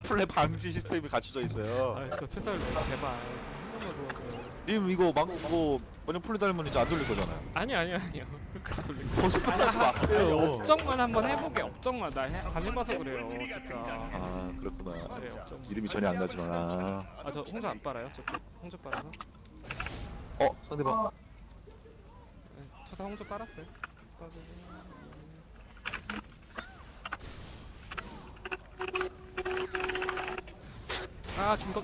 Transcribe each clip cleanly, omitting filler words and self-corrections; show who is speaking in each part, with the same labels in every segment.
Speaker 1: 플레 방지 시스템이 갖춰져 있어요.
Speaker 2: 알았어 최설 제발 한 번만 도와줘요.
Speaker 1: 님 이거 만약 플레 달면 이제 안 돌릴 거잖아요.
Speaker 2: 아니요 끝까지 돌린 거.
Speaker 1: 거짓말하지 마세요.
Speaker 2: 업적만 한번 해보게. 업적만 안 해봐서 그래요 진짜.
Speaker 1: 아 그렇구나.
Speaker 2: 네, 업적.
Speaker 1: 이름이 전혀 안 나지만.
Speaker 2: 저 홍조 안 빨아요? 저쪽 홍조 빨아서?
Speaker 1: 상대방.
Speaker 2: 네, 투사 홍조 빨았어요. 중각.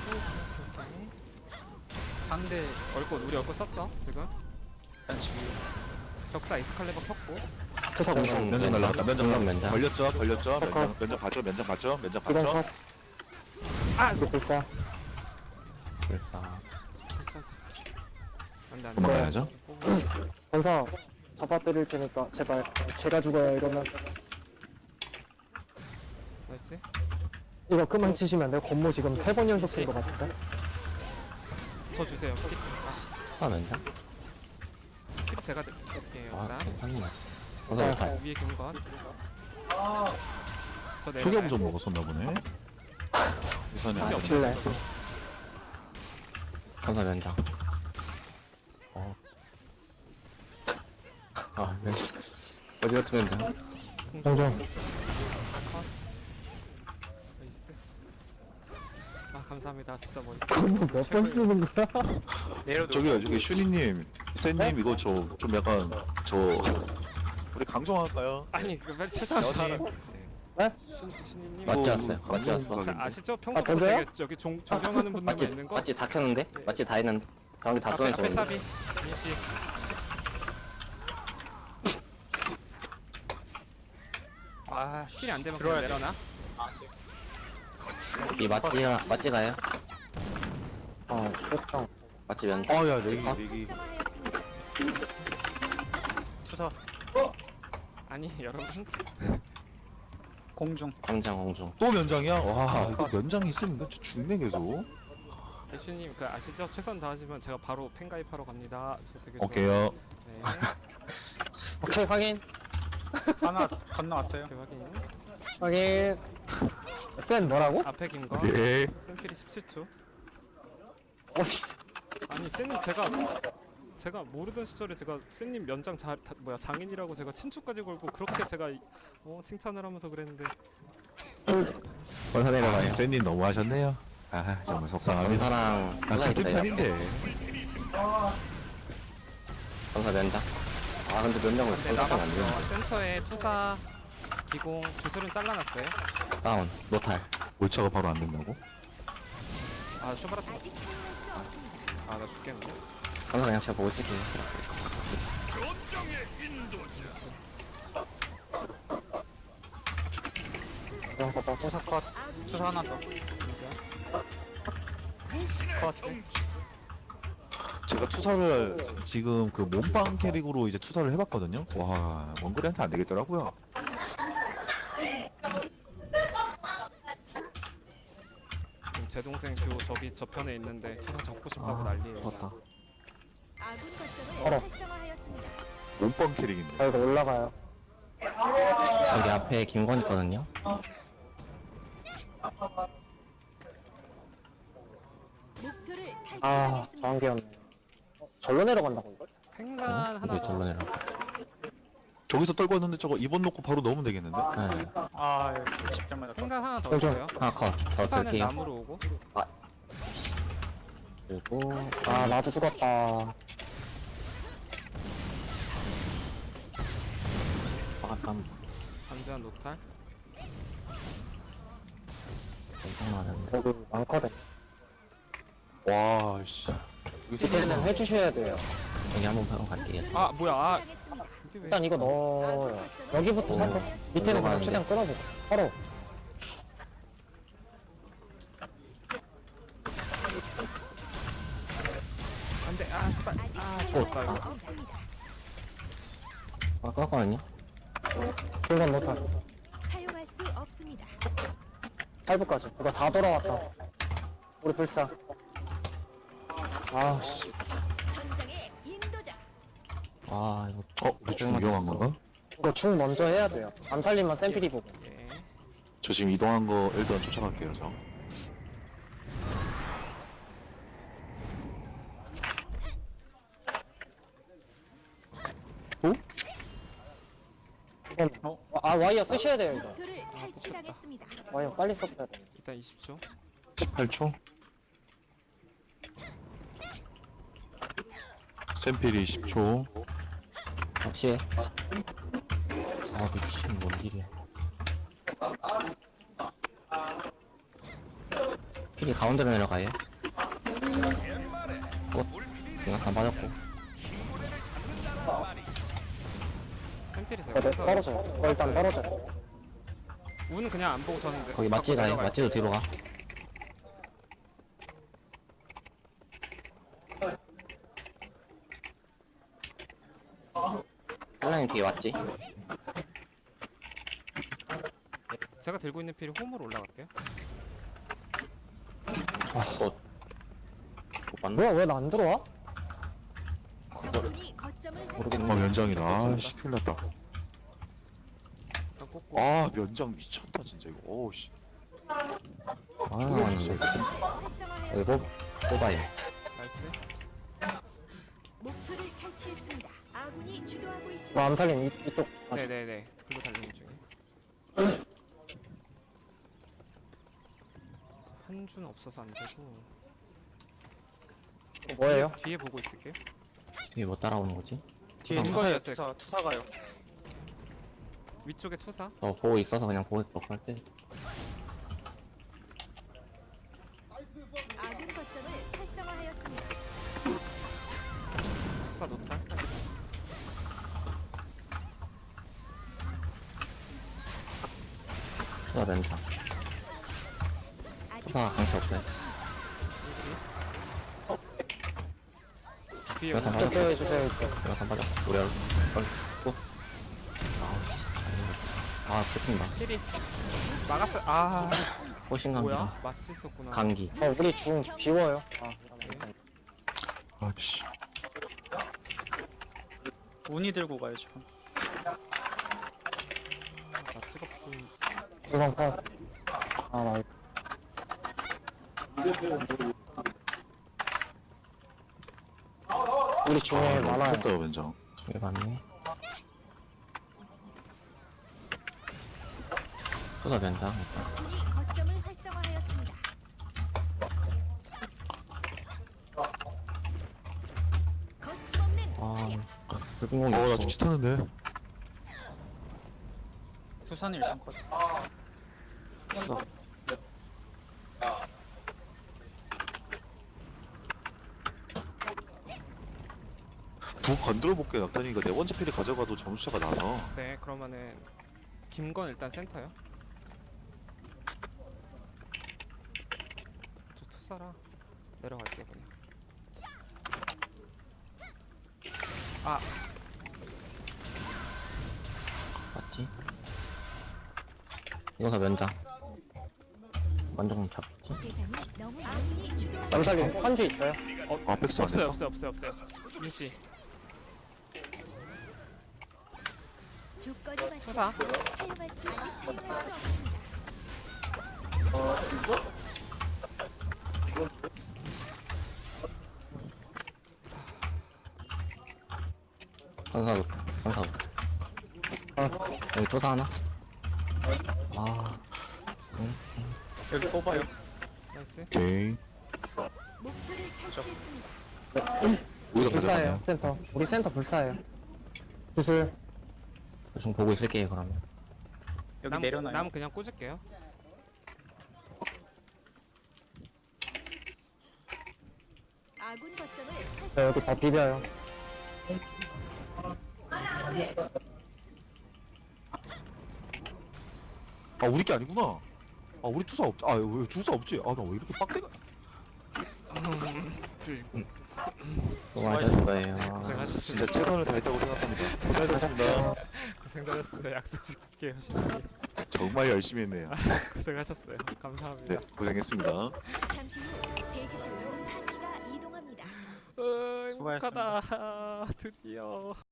Speaker 3: 상대
Speaker 2: 우리 얼꽃 썼어 지금.
Speaker 3: 일단 지금
Speaker 2: 격사 이스칼레버 켰고.
Speaker 4: 투사 공성
Speaker 1: 면접 날라갔다. 면접
Speaker 4: 면접
Speaker 1: 걸렸죠.
Speaker 4: 잠깐.
Speaker 1: 면접 봤죠.
Speaker 4: 이건 컷
Speaker 2: 아!
Speaker 4: 이거 불사
Speaker 2: 괜찮아. 안돼
Speaker 1: 도망가야죠.
Speaker 4: 권사 잡아드릴 테니까 제발 제가 죽어요 이러면
Speaker 2: 나이스.
Speaker 4: 이거 그만 치시면 안 돼요? 권모 지금 3번 연속 쓴 거 같은데?
Speaker 2: 저 주세요. kit
Speaker 5: 아 면장?
Speaker 2: kit트 제가 드릴게요.
Speaker 5: 아
Speaker 2: 그다음
Speaker 5: 괜찮네. 건설 잘.
Speaker 2: 위에 김건. 저 내려가요.
Speaker 1: 초기화부 좀 먹었었나 보네. 우선이
Speaker 4: 아 칠래
Speaker 5: 건설 면장. 아 네. 어디 같은 면장?
Speaker 4: 공정
Speaker 2: 나이스. 감사합니다. 진짜 멋있어.
Speaker 4: 몇 번 쓰는 거야?
Speaker 3: 내려도
Speaker 1: 저기 슈니님, 센님 이거 저 좀 약간 우리 강정할까요?
Speaker 2: 아니 빨리 최소한
Speaker 1: 여님.
Speaker 2: 신이님
Speaker 5: 맞지
Speaker 1: 이거
Speaker 5: 않았어요? 맞지 않았어?
Speaker 1: 강정
Speaker 2: 아시죠? 평소부터
Speaker 4: 던져요?
Speaker 2: 되게 저기 존경하는 분들만
Speaker 5: 맞지?
Speaker 2: 있는 거.
Speaker 5: 맞지 다 켰는데? 맞지 다 했는데? 방금 다
Speaker 2: 앞에
Speaker 5: 쏘는
Speaker 2: 샵이 민씨. 힐이 안 되면 그냥
Speaker 3: 들어야 돼.
Speaker 2: 내려놔.
Speaker 5: 이 맞지 가요?
Speaker 4: 아 됐다
Speaker 5: 맞지 면장?
Speaker 1: 아야 내기.
Speaker 3: 투사
Speaker 2: 아니 여러분
Speaker 3: 공중
Speaker 5: 공장 공중.
Speaker 1: 또 면장이야? 와 이거 면장이 있으면 진짜 죽네 계속.
Speaker 2: 예슈님 그 아시죠? 최선 다하시면 제가 바로 팬 가입하러 갑니다. 저 되게
Speaker 1: 오케이요.
Speaker 2: 네.
Speaker 4: 오케이 확인
Speaker 3: 하나 건너왔어요.
Speaker 2: 오케이 확인.
Speaker 4: 확인 센 뭐라고?
Speaker 2: 앞에 김거.
Speaker 1: 오케이.
Speaker 2: 샘필이 17초.
Speaker 4: 어디
Speaker 2: 아니 쌤님 제가 모르던 시절에 제가 쌤님 면장 장인이라고 제가 친추까지 걸고 그렇게 제가 칭찬을 하면서 그랬는데
Speaker 5: 건설 내려가요.
Speaker 1: 센님 너무 하셨네요. 아 정말 속상합니다.
Speaker 5: 건설랑
Speaker 1: 같은
Speaker 5: 있어요.
Speaker 1: 편인데.
Speaker 5: 건설 면장. 아 근데 면장을
Speaker 2: 근데
Speaker 5: 건설하면 안 되는데.
Speaker 2: 센터에 투사 기공 주술은 잘라놨어요.
Speaker 5: 다운 노탈.
Speaker 1: 몰차가 바로 안 된다고?
Speaker 2: 쇼바라트 나 죽겠네.
Speaker 5: 건설 그냥 제가 보고 있을게요.
Speaker 4: 이런 거 봐.
Speaker 3: 투사 컷 투사 하나 더 컷.
Speaker 1: 제가 투사를 지금 그 몸빵 캐릭으로 이제 투사를 해봤거든요. 와 원거리한테 안 되겠더라고요.
Speaker 2: 지금 제 동생 교 저기 저편에 있는데 투사 적고 싶다고 난리예요.
Speaker 5: 좋았다.
Speaker 6: 아군
Speaker 4: 알아.
Speaker 6: 거점을 활성화하였습니다.
Speaker 1: 몸빵 캐릭인데.
Speaker 4: 아 이거 올라가요
Speaker 5: 여기 앞에 김건 있거든요.
Speaker 6: 목표를
Speaker 4: 아
Speaker 6: 탈취하겠습니다.
Speaker 4: 저한개였네 절로 내려간다고 이걸?
Speaker 2: 팽간 하나
Speaker 5: 여기
Speaker 2: 더.
Speaker 5: 절로 내려.
Speaker 1: 저기서 떨고 있는데 저거 2번 놓고 바로 넣으면 되겠는데?
Speaker 5: 네.
Speaker 3: 아 집장 맞았다.
Speaker 2: 팽간 하나 더
Speaker 4: 공정.
Speaker 2: 있어요.
Speaker 5: 하나 컷. 저
Speaker 2: 투사는
Speaker 5: 들게요.
Speaker 2: 나무로 오고.
Speaker 5: 그리고
Speaker 4: 아 나도 죽었다
Speaker 5: 약간
Speaker 2: 반지한 노탈.
Speaker 5: 엄청 많은데.
Speaker 4: 여기 많거든
Speaker 1: 와 씨.
Speaker 4: 디테일은 해주셔야 돼요
Speaker 5: 여기 한번 바로 갈게요.
Speaker 2: 뭐야
Speaker 6: 시작하겠습니다.
Speaker 2: 이게 왜?
Speaker 4: 일단 이거 넣어요 여기부터 살짝 밑에는 그냥 최대한 끌어보고 바로
Speaker 2: 안돼. 제발. 죽었다 이거.
Speaker 6: 없습니다.
Speaker 5: 아 깎거든요.
Speaker 4: 길건 못하
Speaker 6: 사용할 수 없습니다.
Speaker 4: 8부까지 이거 다 돌아왔다 우리 불사 아씨
Speaker 6: 전장의 인도자.
Speaker 5: 아 이거
Speaker 1: 우리 중경한 건가?
Speaker 4: 이거 중 먼저 해야 돼요 암살림만 샘필이 보고
Speaker 2: 예.
Speaker 1: 저 지금 이동한 거 일단 쫓아갈게요. 저.
Speaker 4: 이건 와이어 쓰셔야 돼요 이거.
Speaker 6: 목표를 탈취하겠습니다.
Speaker 4: 와이어 빨리 썼어야 돼.
Speaker 2: 일단 20초.
Speaker 1: 18초. 샘필이 10초.
Speaker 5: 혹시 아 미친 뭔 일이야. 필이 가운데로 내려가요. 그냥 다 맞았고.
Speaker 2: 샘필이
Speaker 4: 네,
Speaker 2: 제가
Speaker 4: 떨어져요. 일단 떨어져요.
Speaker 2: 우는 그냥 안 보고 저는
Speaker 5: 거기 맞지 가요. 맞지도 뒤로 가. 한라인 뒤에 왔지?
Speaker 2: 제가 들고 있는 필이 홈으로 올라갈게요.
Speaker 5: 못 봤나?
Speaker 4: 뭐야 왜 나 안 들어와?
Speaker 6: 적군이 거점을
Speaker 5: 모르겠네.
Speaker 1: 아 면장이다. 아씨 큰일 났다.
Speaker 2: 일단 꽂고.
Speaker 1: 아 면장 미쳤다 진짜 이거. 오우씨.
Speaker 5: 아,
Speaker 6: 활성화하였습니다.
Speaker 5: 여기 뽑아요.
Speaker 2: 나이스.
Speaker 6: 목표를 탈취했습니다. 아군이 주도하고 있습니다.
Speaker 4: 뭐 암살인 이쪽. 아,
Speaker 2: 네네네. 그거 달리는 중에. 한준 없어서 안 되고.
Speaker 4: 뭐예요?
Speaker 2: 뒤에 보고 있을게요.
Speaker 5: 뒤에 뭐 따라오는 거지?
Speaker 3: 뒤에
Speaker 2: 이거예요,
Speaker 3: 투사 가요.
Speaker 2: 위쪽에 투사.
Speaker 5: 저 보고 있어서 그냥 보고 있어 할 때.
Speaker 6: 아군 거점을 활성화하였습니다.
Speaker 2: 투사 노탈.
Speaker 5: 투사 면상.
Speaker 6: 아직
Speaker 5: 투사 강치 없어요.
Speaker 2: 뒤에
Speaker 5: 여기서
Speaker 2: 오는
Speaker 5: 맞아.
Speaker 4: 이쪽 해주세요 이쪽.
Speaker 5: 내가 다 맞아. 우리 또. 아, 끝인다.
Speaker 2: 필이 막았어. 아
Speaker 5: 호신감기.
Speaker 2: 뭐야? 마치 있었구나.
Speaker 5: 감기.
Speaker 4: 우리 중 비워요.
Speaker 1: 아씨.
Speaker 3: 운이 들고 가요 지금.
Speaker 2: 마치가 보인.
Speaker 4: 이번 컷. 아 나이스. 우리 중에 많아요.
Speaker 1: 미쳤다 면장.
Speaker 5: 왜 봤네? 투사 면상.
Speaker 6: 적군이 거점을 활성화하였습니다. 거침없는
Speaker 5: 아, 불공공이
Speaker 1: 어나
Speaker 5: 없어.
Speaker 1: 죽지 타는데.
Speaker 3: 투사는 일단 컷.
Speaker 1: 두 건드려 볼게. 낙탄이가 네 번째 필이 가져가도 점수차가 나서.
Speaker 2: 네 그러면은 김건 일단 센터요. 저 투사라 내려갈게요 그냥. 아
Speaker 5: 맞지? 이거서 면장. 만정 잡지?
Speaker 6: 대상이 너무 아군이 주도하고
Speaker 4: 암살인 한주 있어요?
Speaker 1: 아 백스 안
Speaker 2: 없어요
Speaker 1: 했어?
Speaker 2: 없어요. 민씨
Speaker 6: 조건이 맞지
Speaker 2: 투사.
Speaker 6: 않고 사용할 수 없습니다.
Speaker 5: 선사부터. 선사부터. 여기 투사 하나? 아,
Speaker 3: 여기 뽑아요.
Speaker 2: 나이스.
Speaker 1: 오케이.
Speaker 6: 목표를 탈취했습니다.
Speaker 1: 우리가
Speaker 4: 불사예요
Speaker 1: 가져가네요.
Speaker 4: 센터. 우리 센터 불사예요. 구슬.
Speaker 5: 좀 보고 있을게요, 그러면.
Speaker 3: 여기 내려놔요.
Speaker 2: 남 그냥 꽂을게요.
Speaker 6: 아군 거점을
Speaker 4: 저 여기 다 비벼요.
Speaker 1: 아 우리 게 아니구나. 아 우리 투사 없. 아왜 주사 없지? 아 나 왜 이렇게 빡대가?
Speaker 2: 들고
Speaker 5: 수고하셨어요.
Speaker 2: 고생하셨습니다.
Speaker 1: 진짜 최선을 다했다고 생각합니다. 고생하셨습니다.
Speaker 2: 고생하셨습니다. 약속 지킬게요. 신랑님.
Speaker 1: 정말 열심히 했네요.
Speaker 2: 고생하셨어요. 감사합니다.
Speaker 1: 네 고생했습니다.
Speaker 6: 잠시 후 대기실로 파티가 이동합니다.
Speaker 2: 어이,
Speaker 3: 수고하셨습니다.
Speaker 2: 행복하다. 드디어.